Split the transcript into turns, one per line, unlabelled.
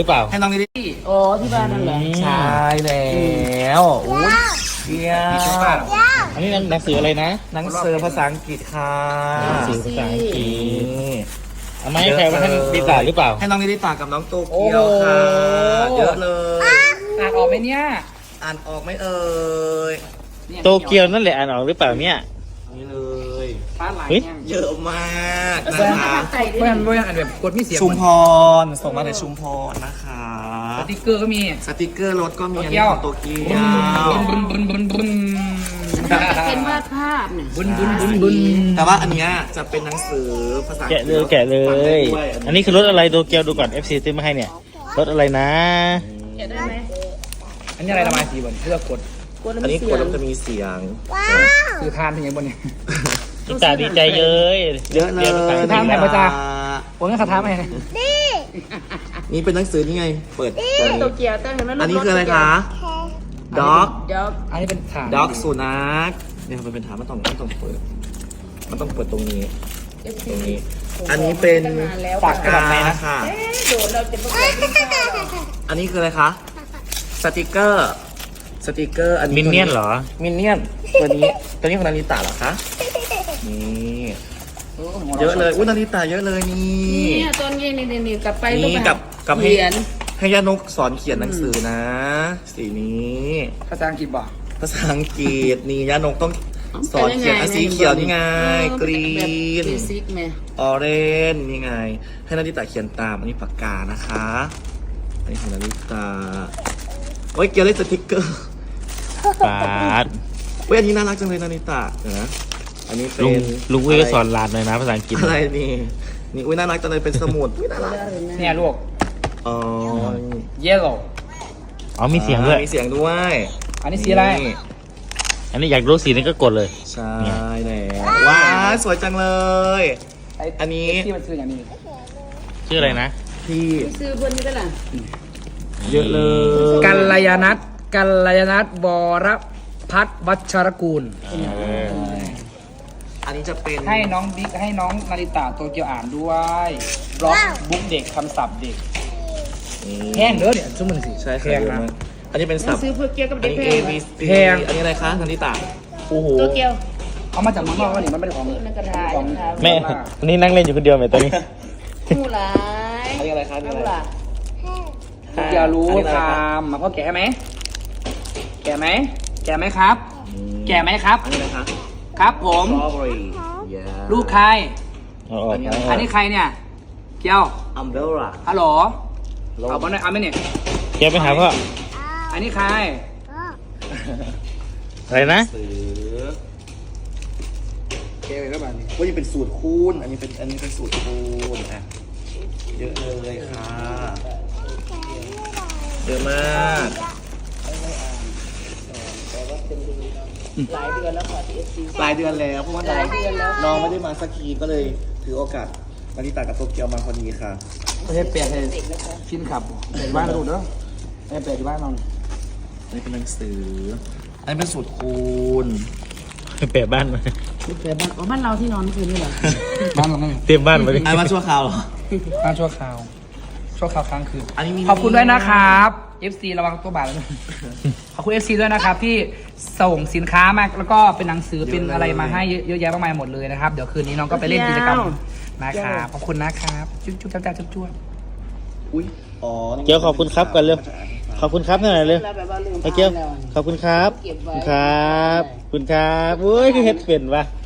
หรือเปล่า
ให้น้องนิด
อ๋อที่บ้านนั่นแหละ
ใช่แล้วอุ้ยเดียว
อันนี้หนังสืออะไรนะ
หนังสือภาษาอังกฤษค่ะ
หนังสือภาษาอังกฤ
นี่
ษเอามาให้ใครว่าท่านดีตาหรือเปล่า
ให้น้องนิดิตากับน้องโตเกียวค่ะเยอะเลย
อ่านออกไหมเนี่ย
อ่านออกไหมเอ่ย
โตเกียวนั่นแหละอ่านออกหรือเปล่าเนี่ย
นี่เลย
ฟ้าหลาย
เฮ้ย
เนี่ย
เยอะมากนะคะ
เพื่อนอ่านแบบกดไม่เสีย
ชุมพรส่งมาจากชุมพรนะคะ
สติ๊กเกอร์ก็มี
สติกเกอร์รถก็มีอัน
โตเกี
นี้
ยว
ของโตเกียว
บุนบุนบุนบุนบุน
เป็นวาดภาพเนี่ย
บุนบุนบุนบุน
แต่ว่าอันเนี้ยจะเป็นหนังสือภาษาอัง
แกะ
กฤษ
เลยแกะเล
ฟังได้
ย
ด้วย
อันนี้คือรถอะไรโตเกียวดูก่อน FC ซื้อมาให้เนี่ยรถอะไรนะ
เขียนได้ไหม
อันนี้อะไรระบายสีบนเพื่อกด
กด
อันนี้
เสี
ก
ย
ด
ง
แล้วจะมีเสียง
คือทานเป็นยังบนเนี่ย
ดีตาดีใจเย้ย
เยอะเลย
คือทางไหนมาจ้า โอ้ยงั้นคาถาไหม
นี่เป็นหนังสือนี่ไง เปิดตัว
โต
นี้
เกียวตั้งเห็นไหม
อันนี้คืออะไรคะด็อก
เดี๋ยว
อันนี้เป็นฐาน
ด็อกสุนัขเนี่ยมันเป็นฐานมันต้องเปิด มันต้องเปิดตรงนี้ ตรงนี้ อันนี้เป็นปากกาค่ะ
โดนเราจะไม่เคยกินข้าวหรอก
อันนี้คืออะไรคะ สติกเกอร์ สติกเกอร์ อันนี้
มินเนี่ยนเหรอ
มินเนี่ยน ตัวนี้ของนาริตะเหรอคะ นี่ เยอะเลย อุ้ยนาริตะเยอะเลยนี่
เนี่ยตอนเย็นนี่กลับไป
นี่กับให้
เขียน
ให้ย่านกสอนเขียนหนังสือนะ สีนี้
ภาษาอังกฤษบอก
ภาษาอังกฤษนี่ย่านกต้องสอนเขียนอ่ะสีเขียวนี่ไง กรีน
เบสิกไหม
ออเรนนี่ไง ให้นาริตะเขียนตาม อันนี้ปากกานะคะอันนี้ของนาริตะโอ้ยเกียวได้สติกเกอร์
ปาด
เว้ยอันนี้น่ารักจังเลยนาริตะเดี๋ยวนะอันนี้เป็
ลุง
น
ลุงอุ้ยก็สอนหลานหน่อยนะภาษาอังกฤษ
อะไรนี่ นี่อุ้ยน่ารักจังเลยเป็นสมุดอุ้ยน่ารัก
เนี่ยลูก
อ๋อ
yellow
อ๋อมีเสียงด้วย
มีเสียงด้วย
อันนี้สีอะไร
นี่
อันนี้อยากรู้สีนี้ก็กดเลย
ใช่แล้วว้าวสวยจังเลย อันนี้
ที่มันคืออย่างนี้
ชื่ออะไรนะ
พี่
ซื้อเพื่อนนี่ก็ล่ะ
เยอะเลย
กัลยาณัฐบรพัฒน์วัชรกูล
อันนี้จะเป็น
ให้น้องบิ๊กให้น้องนาริตะโตเกียวอ่านด้วยบล็อกบุ๊กเด็กคำศัพท์เด็กแห้งเด้อเนี่ยชั่วโมงสิ
ใช่
แพ
ค่ะ
งนะ
อันนี้เป็นศัพท์
ซื้อเพื่อเกียวกับ
อัน
เด็ก
นี้
แพ
A
ง
B C
แพง
อันนี้อะไรคะนันทิตา
โอ้โห
โตเกียว
เอามาจากเมืองนอกแล้วนี่มันไม่ได้ของ
ในกระดาษ
ของ
แม่อันนี้นั่งเล่นอยู่คนเดียวไหมตอนนี้
มูหลาย
อันนี้อะไรคะอันนี้
มู
อะไร
หลาย
โตเกียวรู้คำมาพ่อแกะไหมแกะไหมแกะไหมครับ แกะไหมครับ
อันนี้อะไรคะ
ครับผม
Strawberry
ลูกใคร
เอาออก
อันนี้ใครเนี่ย เกียว
Umbrella
ฮัลโหลเอาบอลหน่อยเอาไหมเนี่ย
เกียวไปหาพ่อ
อันนี้ใคร
อะไรนะ
สือ
เกียวแล้วบ้านนี้
ว่าจะเป็นสูตรคูณอันนี้เป็นสูตรคูณอ่ะเยอะเลยค่ะเยอะมาก
หลายเดือนแล้วค่ะที่ FC
ปลายเดือนแล้วเพราะว่าน้องไม่ได้มาสักทีก็เลยถือโอกาสนาริตากับโตเกียวมาพอดีค่ะ
ไม่ใช่เปลี่ยนให้ฟินขับเปลี่ยนบ้านดูเด้อไม่เปลี่ยนที่บ้านนอน
อันนี้เป็นหนังสือ อันนี้เป็นสูตรคูณ
เปลี่ยนบ้านมา
เปลี่ยนบ้านอ๋อบ้านเราที่นอนเมื่อคืนนี่เหรอ
บ้านเราไม่มี
เตรียมบ้านมาดิ
อันมาชั่วคราวเหรอ
บ้านชั่วคราวค้างคืน
อันนี้มี
ขอบคุณด้วยนะครับ FC ระวังตัวบาทแล้วนะขอบคุณ FC ด้วยนะครับที่ส่งสินค้ามาแล้วก็เป็นหนังสือเป็นอะไรมาให้เยอะแยะมากมายหมดเลยนะครับ เดี๋ยวคืนนี้น้องก็ไปเล่นกิจกรรมนะครับขอบคุณนะครับจุ๊บจุ๊บจ้าจุ๊บจุ๊บ
อุ้ยอ๋อ
เกียวขอบคุณครับก่อนเร็วขอบคุณครับหน่อยเร็ว
แล้วแบบว่าลืม
ไอ้เกียว
แล้ว
ขอบคุณครับ
เก็บไว้
ขอบคุณครับอุ้ยคือเฮ็ดเป็นวะ